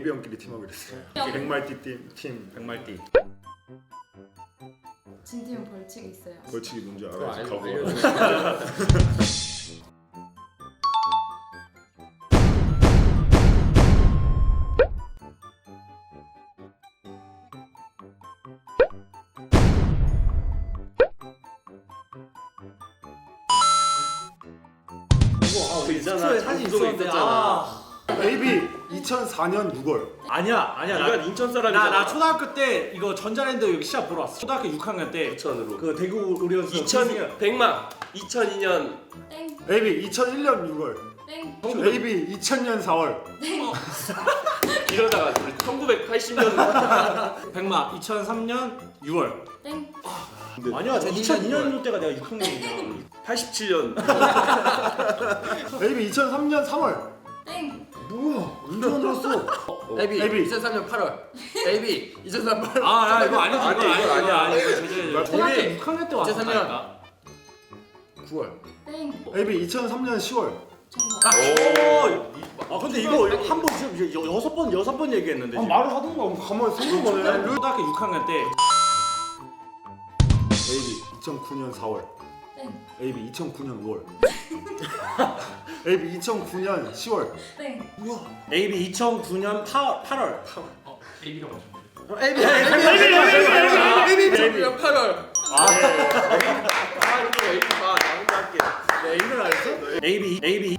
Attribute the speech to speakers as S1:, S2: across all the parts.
S1: AB 형끼리 팀하기로 했어요. 백말띠 팀.
S2: 백말띠.
S3: 진 팀은 벌칙이 있어요.
S1: 벌칙이 뭔지
S4: 그거
S1: 알아야지.
S4: 알려줘.
S2: 그 있잖아.
S4: 사진
S2: 장소에
S4: 있었잖아.
S1: AB 2004년 6월.
S2: 아니야.
S4: 이건 인천 사람이잖아.
S2: 나 초등학교 때 이거 전자랜드 여기 시합 보러 왔어. 초등학교 6학년 때.
S4: 부천으로.
S2: 그 대구 오리온스
S4: 2000 백마 2002년
S3: 땡.
S1: AB 2001년 6월.
S3: 땡.
S1: AB 2000년 4월.
S4: 이러다가 우리 1980년
S2: 백마 2003년 6월.
S3: 땡.
S2: 아니야. 2002년 때가 내가 6학년이야.
S4: 87년
S1: AB 2003년 3월.
S3: 땡.
S1: 뭐야? 언제 만들었어?
S5: AB
S1: AB.
S5: 2003년 8월. AB 2003년 8월.
S2: 아, 이거 아니지.
S4: 아니, 이거 아니야.
S2: 이거 제재.
S1: 초등학교
S2: 6학년 때 왔었다니까.
S5: 9월.
S3: 땡.
S1: AB 2003년 10월.
S3: 정답.
S2: 아 근데 이거 한 번 지금 여섯 번 얘기했는데. 지금.
S1: 말을 하던가 가만히 생각만 해.
S2: 초등학교 6학년 때.
S1: AB 2009년 4월.
S3: 땡.
S1: AB 2009년 5월. AB 2009년 10월.
S3: 땡.
S2: AB 2009년 8월.
S5: AB가 맞죠?
S1: AB
S5: 2009년 8월.
S4: 아 이거 에이봐 나 혼자 할게
S1: 내 이걸 알았어?
S2: AB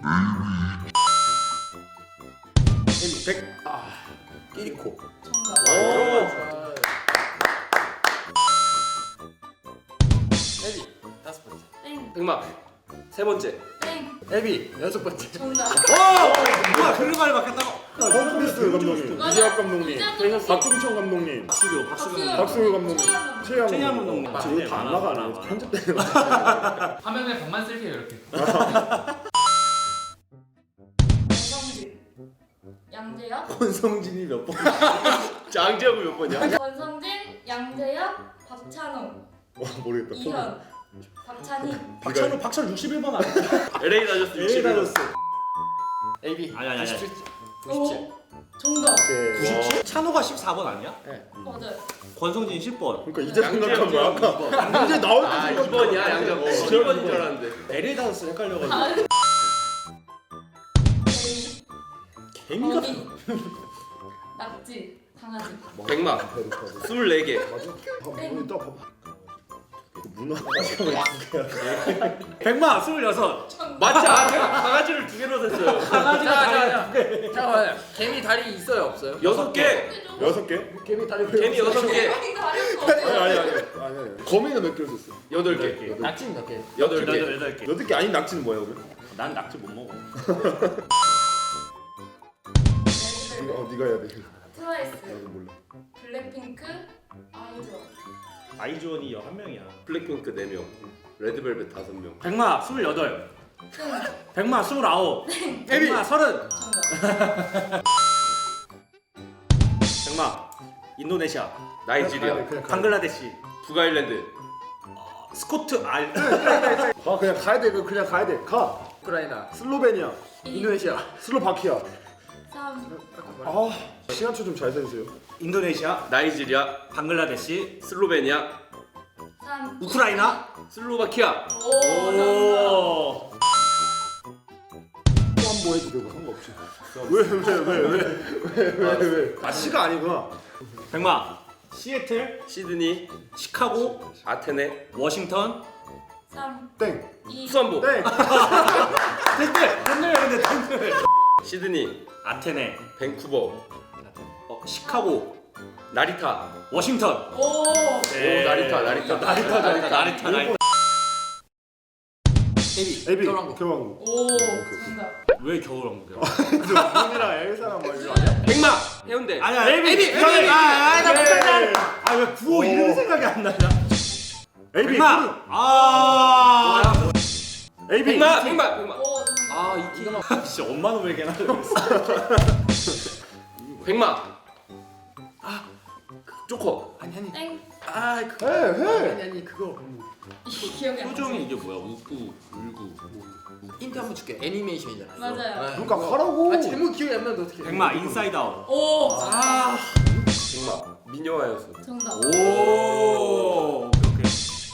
S1: 100.
S4: 끼리코
S3: 정답.
S5: AB 5번째.
S3: 땡.
S4: 백마 세 번째
S3: 땡.
S5: AB 6번째.
S3: 정답.
S2: 뭐야 그런 말 맞겠다고?
S1: 홈플리스 감독님,
S3: 맞아.
S1: 이재학 감독님,
S3: 이재학
S1: 박종천 감독님,
S2: 박수교
S1: 박수호 감독님, 최양
S2: 최양
S1: 감독님.
S2: 감독님.
S1: 이거 다안 나가네. 편집되는 거.
S5: 화면에 백만 쓸게요 이렇게.
S3: 권성진. 양재혁.
S2: 권성진이 몇 번?
S4: 장지하고 몇 번이야?
S3: 권성진, 양재혁, 박찬호,
S1: 와 모르겠다.
S3: 이현, 박찬희.
S2: 박찬호 61번 아니야?
S4: LA 다저스
S2: LA
S4: 61번
S2: 다저스.
S5: AB
S2: 아니.
S5: 97.
S3: 오. 정답.
S2: 97? 찬호가 14번 아니야?
S3: 맞아요.
S2: 권성진 10번.
S1: 그러니까 이제 생각한 거야. 아까 이제 나올 때
S4: 아
S1: 생각한
S4: 2번이야
S1: 거야.
S4: 양자고
S1: 어,
S4: 7번인 줄 알았는데
S2: LA 다저스 헷갈려가지고.
S3: 아.
S2: 개미가
S3: 거미. 낙지. 강아지.
S4: 백마 24개
S3: 땡.
S1: 이따 봐봐. 문화.
S2: 백마 26.
S4: 맞지? 강아지를 2개로 샀어요
S5: 잠깐만요. 개미 다리 있어요 없어요?
S4: 6개
S1: 6개?
S5: 개미 다리
S4: 개미 6개
S1: 아니. 거미는 몇 개를 썼어?
S4: 8개
S5: 낙지는 몇 개?
S4: 8개
S2: 8개.
S1: 8개 아닌 낙지는 뭐야 그럼?
S2: 난 낙지 못 먹어.
S1: 네가 해야 돼.
S3: 트와이스.
S1: 나도 몰라.
S3: 블랙핑크. 아이즈원.
S2: 아이즈원이 11명이야.
S4: 블랙핑크 4명 레드벨벳 5명
S2: 백마 28.
S3: 땡.
S2: 백마 29. 백마 30.
S3: 정답.
S2: 백마 인도네시아.
S4: 나이지리아
S1: 그냥 가.
S2: 방글라데시.
S4: 북아일랜드
S2: 스코트 알.
S1: 그냥 가야 돼. 그냥 가야 돼. 가.
S5: 우크라이나.
S1: 슬로베니아,
S5: 인도네시아.
S1: 슬로바키아.
S3: 3.
S1: 아 시간초 좀 잘 세주세요.
S2: 인도네시아.
S4: 나이지리아
S2: 방글라데시.
S4: 슬로베니아
S3: 3.
S2: 우크라이나.
S4: 슬로바키아
S3: 오. 정답.
S2: 오.
S1: 또 한 번 해도 되고 상관없지. 왜? 아 시가 아니구나.
S2: 백마 시애틀.
S4: 시드니
S2: 시카고.
S4: 아테네
S2: 워싱턴.
S3: 3.
S1: 땡.
S3: 2.
S4: 수원보
S1: 땡.
S2: 텐들 근데 텐들.
S4: 시드니
S2: 아테네.
S4: 밴쿠버
S2: 시카고.
S4: 나리타
S2: 워싱턴.
S3: 오.
S2: 네. 나리타.
S1: AB
S5: 겨울왕국.
S1: 겨울왕국.
S3: 오. 정답.
S2: 왜 겨울왕국이야?
S1: 문이랑 엘사랑 뭐 이거 아니야?
S4: 백마 해운대
S2: 아니야. 에비. 나 못하냐? 아왜 9호 이름 생각이 안 나냐?
S1: AB
S2: 백마. 아.
S1: AB
S4: 백마
S3: 오. 정답.
S5: 아 이거만.
S2: 씨 엄마는 왜 걔나?
S4: 백마 조커
S5: 아니.
S3: 땡.
S5: 아 그거.
S1: 해.
S5: 아니 그거.
S3: 기억이 안 나.
S2: 표정이 이게 뭐야? 웃고 울고.
S5: 힌트 한번 줄게. 애니메이션이잖아. 이거.
S3: 맞아요.
S5: 네.
S1: 그러니까 하라고.
S5: 아 제목 기억이 안 나는데 어떻게?
S2: 백마 인사이드 아웃.
S3: 오.
S5: 아.
S4: 정말 미녀와였어.
S3: 정답.
S2: 오. 오케이.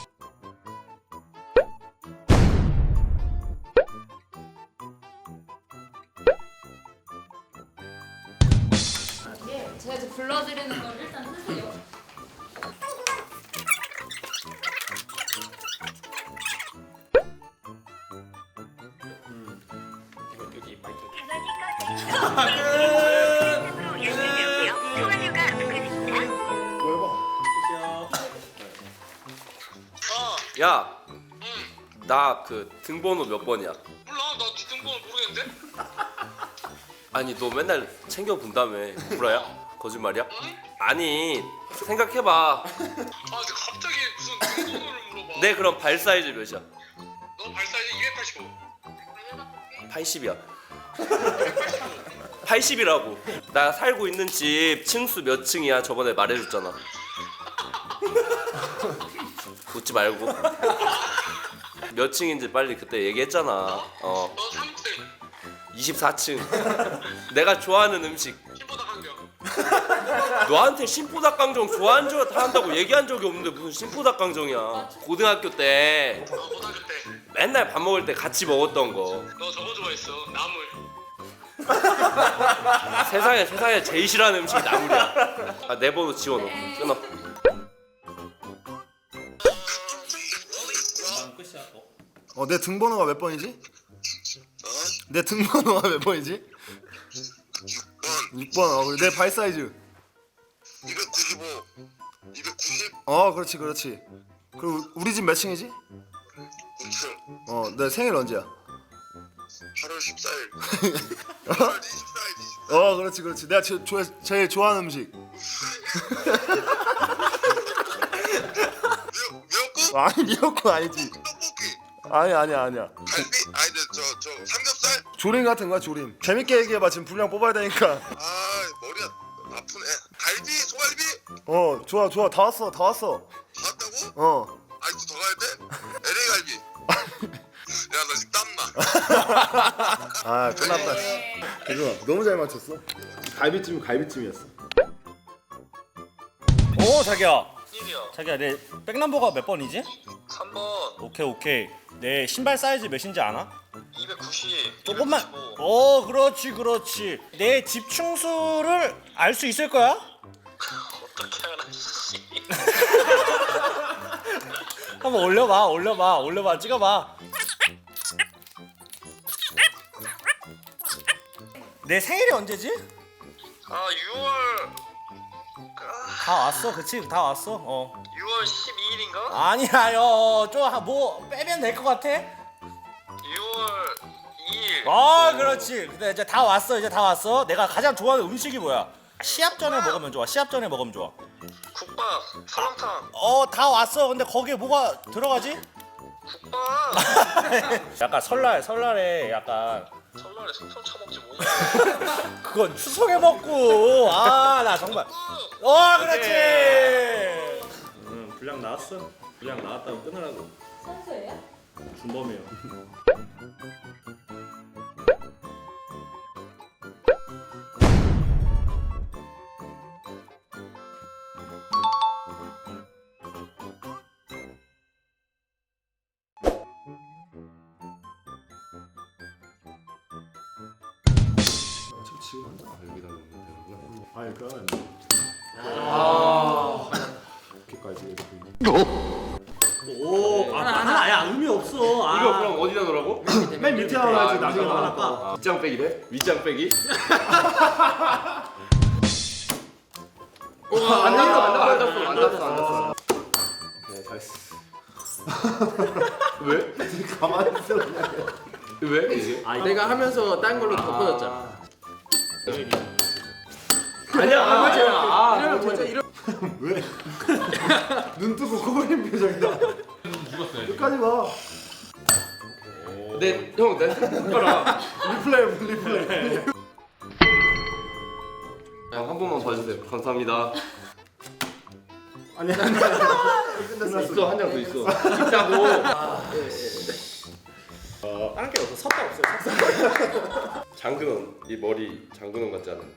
S3: 이게 제가 이제 불러드리는 걸 일단 쓰세요.
S5: 이거 여기 마이크.
S4: 야, 나 그 등번호 몇 번이야?
S6: 몰라 나 네 등번호 모르겠는데?
S4: 아니 너 맨날 챙겨 본다며. 구라야? 거짓말이야? 아니 생각해봐.
S6: 아 근데 갑자기 무슨 등번호를 물어봐.
S4: 내 그럼 발 사이즈 몇이야?
S6: 너 발 사이즈 285.
S4: 80이야. 80이라고. 나 살고 있는 집 층수 몇 층이야? 저번에 말해줬잖아. 웃지 말고. 몇 층인지 빨리 그때 얘기했잖아.
S6: 너 3층
S4: 24층. 내가 좋아하는 음식.
S6: kim보다 강경.
S4: 너한테 신포닭강정 좋아한 줄 한다고 얘기한 적이 없는데 무슨 신포닭강정이야. 고등학교 때
S6: 고등학교 때 너
S4: 맨날 밥 먹을 때 같이 먹었던 거.
S6: 저거 좋아했어 나물.
S4: 세상에 제일 싫어하는 음식이 나물이야. 아, 내 번호 지워놓어. 끊어.
S1: 내 등번호가 몇 번이지? 내 등번호가 몇 번이지? 6번. 그리고 내 발 사이즈.
S6: 295 290
S1: 그렇지 그렇지. 그리고 우리 집 몇 층이지?
S6: 2층
S1: 내 생일 언제야?
S6: 8월 14일 8월 24일
S1: 그렇지. 내가 제일 좋아하는 음식.
S6: 미역국?
S1: 아니 미역국 아니지.
S6: 떡볶이
S1: 아니야.
S6: 갈비? 아니 저 삼겹살?
S1: 조림 같은 거야 조림. 재밌게 얘기해봐. 지금 분량 뽑아야 되니까.
S6: 아 머리가 아프네. 갈비? 소갈비?
S1: 좋아. 다 왔어.
S6: 다 왔다고? 아직도 더 가야 돼? LA 갈비 야 나 지금 땀나.
S1: 끝났다. 그거 너무 잘 맞췄어. 갈비찜이었어.
S7: 자기야.
S6: 1이요
S7: 자기야, 내 백넘버가 몇 번이지?
S6: 3번
S7: 오케이. 내 신발 사이즈 몇인지 아나?
S6: 290
S7: 조금만. 그렇지. 내 집 충수를 알 수 있을 거야?
S6: 어떻게 알아 씨.
S7: 한번 올려봐. 찍어봐. 내 생일이 언제지?
S6: 아 6월
S7: 다 왔어, 그치? 다 왔어.
S6: 6월 12일인가?
S7: 아니야, 좀 빼면 될 것 같아?
S6: 6월 2일
S7: 그렇지. 근데 이제 다 왔어. 내가 가장 좋아하는 음식이 뭐야? 시합 전에 먹으면 좋아.
S6: 국밥 설렁탕
S7: 다 왔어. 근데 거기에 뭐가 들어가지?
S6: 국밥
S7: 약간 설날에 약간
S6: 설날에 송편 처먹지 뭐냐
S7: 그건 추석에 먹고. 나 정말. 그렇지.
S2: 분량 나왔어. 분량 나왔다고 끊으라고.
S3: 선수예요?
S2: 준범이요.
S1: 아니 그러면 이렇게까지.
S2: 야 의미 없어.
S4: 이거 그럼 어디다 넣으라고?
S1: 맨 밑에 하나 하지 나중에
S2: 하나
S1: 하나
S2: 까.
S4: 윗장 빼기래? 윗장 빼기? 안 닿았어.
S1: 오케이 잘했어.
S4: 왜?
S1: 가만히 있어 그냥.
S4: 왜? 이게?
S5: 내가 하면서 딴 걸로 덮어졌잖아.
S4: 아니야.
S5: 이러면 진짜 이런.
S1: 왜? 눈 뜨고 코 걸린 표정이다. 끝까지 봐.
S4: 내 손가락.
S1: 리플레이.
S4: 한 번만 봐주세요. 감사합니다.
S1: 아니
S4: 있어, 한 장 더 있어. 있다고.
S2: 다른 게 없어. 섰다 없어요.
S4: 장근원 이 머리 장근원 같지 않아?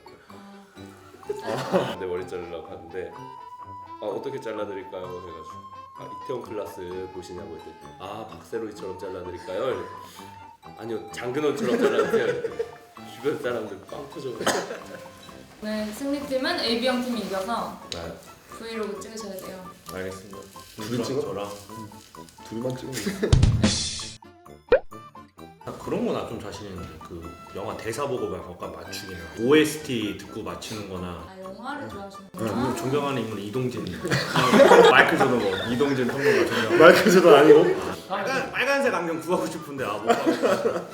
S4: 내 머리 자르려고 하는데 어떻게 잘라드릴까요? 해가지고 이태원 클라스 보시냐고 했더니 박세로이처럼 잘라드릴까요? 이래. 아니요 장근원처럼 잘라주세요. 주변 사람들 빵 터져.
S3: 네, 승리팀은 AB형 팀이 이겨서
S4: 네.
S3: 브이로그 찍으셔야 돼요.
S4: 알겠습니다.
S1: 둘이 찍어?
S2: 저랑.
S1: 둘만 찍으면
S2: 나 그런 거 나 좀 자신 있는데 그 영화 대사 보고 막 약간 맞추기나 OST 듣고 맞추는-거나.
S3: 아, 영화를
S2: 좀
S3: 좋아하시는구나.
S2: 존경하는 인물 이동진. 마이클 조던 뭐 이동진 평론가 존경.
S1: 마이클 조던 아니고?
S2: 빨간색 안경 구하고 싶은데 못 구하고.